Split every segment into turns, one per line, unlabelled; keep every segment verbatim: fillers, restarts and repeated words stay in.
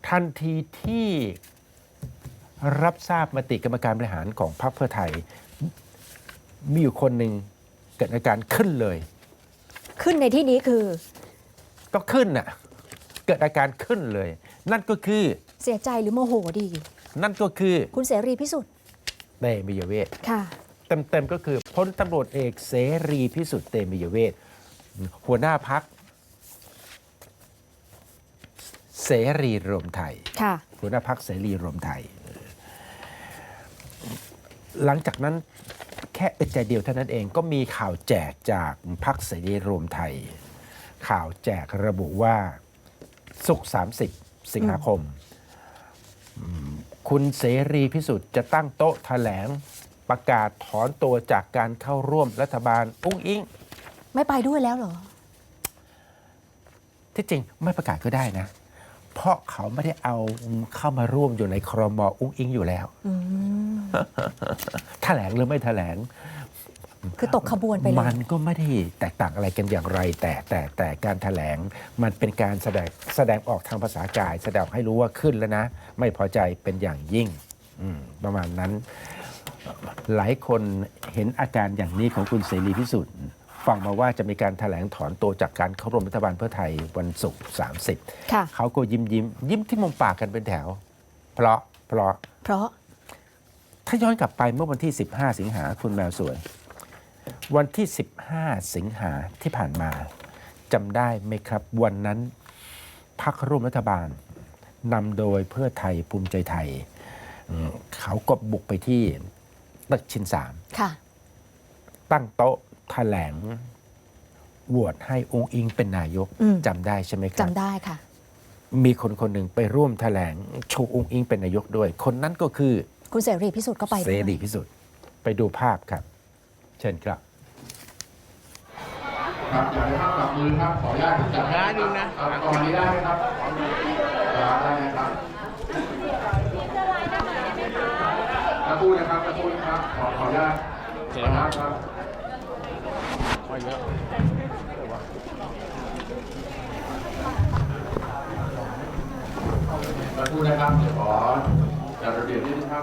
ทันทีที่รับทราบมติกรรมการบริหารของพรรคเพื่อไทย มีอยู่คนหนึ่งเกิดอาการขึ้นเลย
ขึ้นในที่นี้คือ
ก็ขึ้นน่ะเกิดอาการขึ้นเลย นั่นก็คือ
เสียใจหรือโมโหดี
นั่นก็คือ
คุณเสรีพิสุทธิ์
เตมียเวท
ค่ะ
เต็มๆก็คือพลตำรวจเอกเสรีพิสุทธิ์เตมียเวทหัวหน้าพักเสรีรวมไทย
ค่ะ
หัวหน้าพักเสรีรวมไทย หลังจากนั้นแค่อึดใจเดียวเท่านั้นเองก็มีข่าวแจกจากพักเสรีรวมไทย ข่าวแจกระบุว่าศุกร์สามสิบสิงหาคม คุณเสรีพิสุทธิ์จะตั้งโต๊ะแถลงประกาศถอนตัวจากการเข้าร่วมรัฐบาลอุ้งอิง
ไม่ไปด้วยแล้วเหรอ
ที่จริงไม่ประกาศก็ได้นะ เพราะเขาไม่ได้เอาเข้ามาร่วมอยู่ในครม.อุ้งอิงอยู่แล้ว
อืม
แถลงหรือไม่แถลง
คือตกขบวนไปเลย
มันก็ไม่ได้แตกต่างอะไรกันอย่างไร แต่แต่แต่การแถลงมันเป็นการแสดงแสดงออกทางภาษากาย แสดงให้รู้ว่าขึ้นแล้วนะ ไม่พอใจเป็นอย่างยิ่งอืมประมาณนั้น หลายคนเห็นอาการอย่างนี้ของคุณเสรีพิสุทธิ์ฟังมาว่าจะมีการแถลงถอนตัวจากการเข้าร่วมรัฐบาลเพื่อไทยวันศุกร์สามสิบ
ค่ะ
เขาก็ยิ้มยิ้มยิ้มที่มุมปากกันเป็นแถว เพราะเพราะ
เพราะ
ถ้าย้อนกลับไปเมื่อวันที่ สิบห้า สิงหาคุณแมวสวย วันที่ สิบห้า สิงหาที่ผ่านมาจำได้ไหมครับ วันนั้นพรรคร่วมรัฐบาลนำโดยเพื่อไทยภูมิใจไทยอืมเขาก็บุกไปที่ตึกชินสาม
ค่ะ
ตั้งโต๊ะแถลงโหวตให้องค์อิงเป็นนายก
อืม
จำได้ใช่ไหมครับ
จำได้ค่ะ
มีคนคนหนึ่งไปร่วมแถลงชูองค์อิงเป็นนายกด้วย คนนั้นก็คือ
คุณเสรีพิสุทธิ์ก็ไป
เส
ด้วย
รีพิสุทธิ์ไปดูภาพครับ เชิญครับ
ครับอยากให้ภาพจับมือครับขออนุญาตจับมือนึงนะตอนนี้ได้ไหมครับได้ไหมครับตะพูดนะครับตะพูดนะครับขอขออนุญาตขออนุญาตครับตะพูดนะครับเดี๋ยวขอจัดระเบียบนิดนึงครับ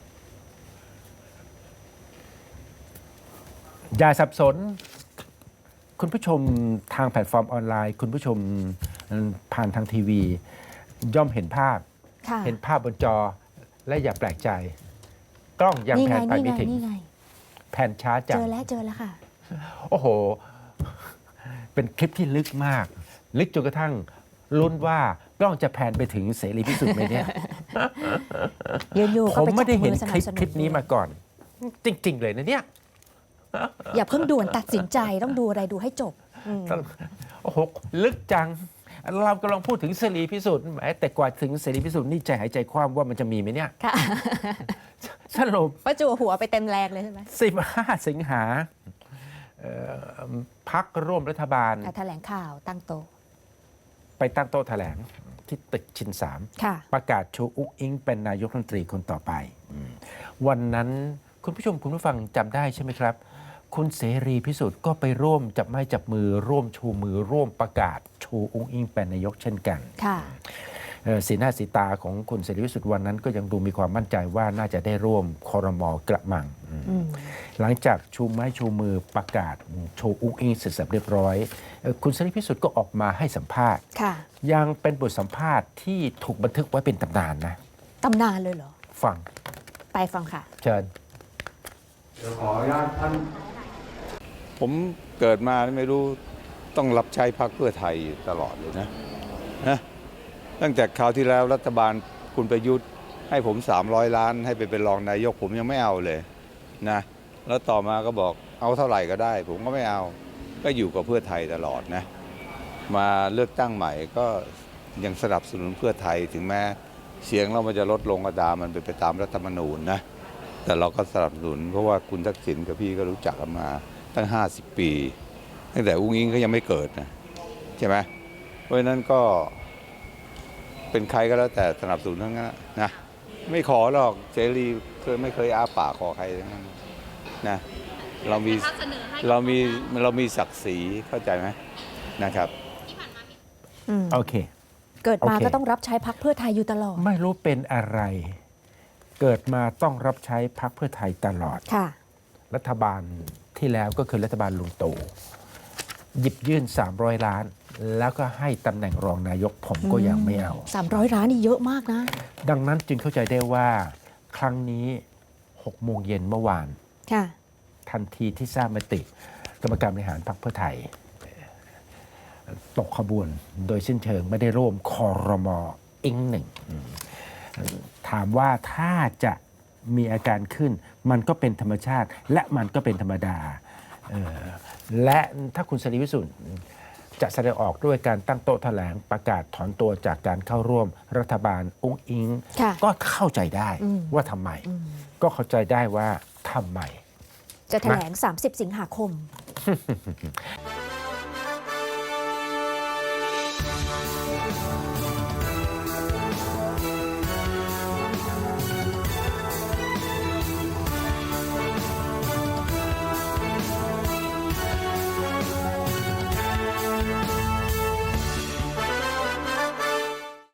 อย่าสับสน คุณผู้ชมทางแพลตฟอร์มออนไลน์ คุณผู้ชมผ่านทางทีวี ย่อมเห็นภาพ
ค่ะ
เห็นภาพบนจอและอย่าแปลกใจ กล้องยัง
นี่
แผ
ไง
นไป
นี่
ไม่
ไง
ถึง
นี่ไง
แผนช้าจั
เจ
ง
อแล้วเจอแล้วค่ะ
โอ้โห เป็นคลิปที่ลึกมาก ลึกจนกระทั่งลุ้นว่ากล้องจะแผนไปถึงเสรีพิสุทธิ์ไหมเนี่ย
ยืนอยู่
ผ
ก็
ม
ไป
ไม่ได้
จับ
เห็
มื
น
อส
ค
นั
ลิ
บ
ป
สนุน
คลิปนี้มาก่อน จริง ๆ เลยนะเนี่ย
อย่าเพิ่งด่วนตัดสินใจต้องดูอะไรดูให้จบอืม
โอ้โห ลึกจัง เรากำลังพูดถึงเสรีพิสุทธิ์แหมแต่กว่าถึงเสรีพิสุทธิ์นี่ใจหายใจคว่ำว่ามันจะมีไหมเนี่ย
ค่ะ
สรุป
ประจวบหัวไปเต็มแรงเลยใช่ไหม
สิบห้า สิงหาเอ่อพักร่วมรัฐบาล
อ่ะแถลงข่าวตั้งโต๊ะ
ไปตั้งโต๊ะแถลงที่ตึกชินสาม
ค่ะ
ประกาศชูอุ้งอิงเป็นนายกรัฐมนตรีคนต่อไปอืมวันนั้นคุณผู้ชมคุณผู้ฟังจำได้ใช่ไหมครับ คุณเสรีพิสุทธิ์ก็ไปร่วมจับไม้จับมือร่วมชูมือร่วมประกาศชูอุ้งอิงเป็นนายกเช่นกัน
ค่ะ
เอ่อสีหน้าสีตาของคุณเสรีพิสุทธิ์วันนั้นก็ยังดูมีความมั่นใจว่าน่าจะได้ร่วมครม.กระมังอืม
อืม
หลังจากชูไม้ชูมือประกาศชูอุ้งอิงเสร็จสับเรียบร้อยเอ่อคุณเสรีพิสุทธิ์ก็ออกมาให้สัมภาษณ์
ค่ะ
ยังเป็นบทสัมภาษณ์ที่ถูกบันทึกไว้เป็นตำนานนะ
ตำนานเลยเหรอ
ฟัง
ไปฟังค่ะ
เชิญ
เดี๋ยวขออนุญาตท่าน
ผมเกิดมาไม่รู้ต้องรับใช้พรรคเพื่อไทยตลอดเลยนะนะตั้งแต่คราวที่แล้วรัฐบาลคุณประยุทธ์ให้ผมสามร้อยล้านให้ไปเป็นรองนายกผมยังไม่เอาเลยนะแล้วต่อมาก็บอกเอาเท่าไหร่ก็ได้ ผมก็ไม่เอาก็อยู่กับเพื่อไทยตลอดนะมาเลือกตั้งใหม่ก็ยังสนับสนุนเพื่อไทยถึงแม้เสียงเรามันจะลดลงก็ตามมันเป็นไปตามรัฐธรรมนูญนะแต่เราก็สนับสนุนเพราะว่าคุณทักษิณกับพี่ก็รู้จักกันมาตั้งห้าสิบปีตั้งแต่อุ้งอิงเขายังไม่เกิดนะใช่ไหมเพราะฉะนั้นก็เป็นใครก็แล้วแต่สนับสนุนทั้งนั้นนะไม่ขอหรอกเสรีเคยไม่เคยอาปากขอใครทั้งนั้นนะเรามีเรามีเรามีศักดิ์ศรีเข้าใจไหมนะครับ
อืม
โอเค
เกิดมา
โอเค
ก็ต้องรับใช้พรรคเพื่อไทยอยู่ตลอด
ไม่รู้เป็นอะไร เกิดมาต้องรับใช้พรรคเพื่อไทยตลอด
ค่ะ
รัฐบาลที่แล้วก็คือรัฐบาลลุงตู่หยิบยื่น สามร้อย ล้าน แล้วก็ให้ตำแหน่งรองนายกผมก็ยังไม่เอา
สามร้อยล้านนี่เยอะมากนะ
ดังนั้นจึงเข้าใจได้ว่าครั้งนี้หกโมงเย็นเมื่อวาน
ค่ะ
ทันทีที่ทราบมติกรรมการบริหารพรรคเพื่อไทย ตกขบวนโดยสิ้นเชิงไม่ได้ร่วมคอรมออิงหนึ่งอืมถามว่าถ้าจะมีอาการขึ้น มันก็เป็นธรรมชาติ และมันก็เป็นธรรมดาเอ่อและถ้าคุณสรีวิสุทธิ์จะแสดงออกด้วยการตั้งโต๊ะแถลงประกาศถอนตัวจากการเข้าร่วมรัฐบาลอุ้งอิง
ค่ะ
ก็เข้าใจได้
อืม
ว่าทำไม ก็เข้าใจได้ว่าทำไม
จะแถลง สามสิบ สิงหาคม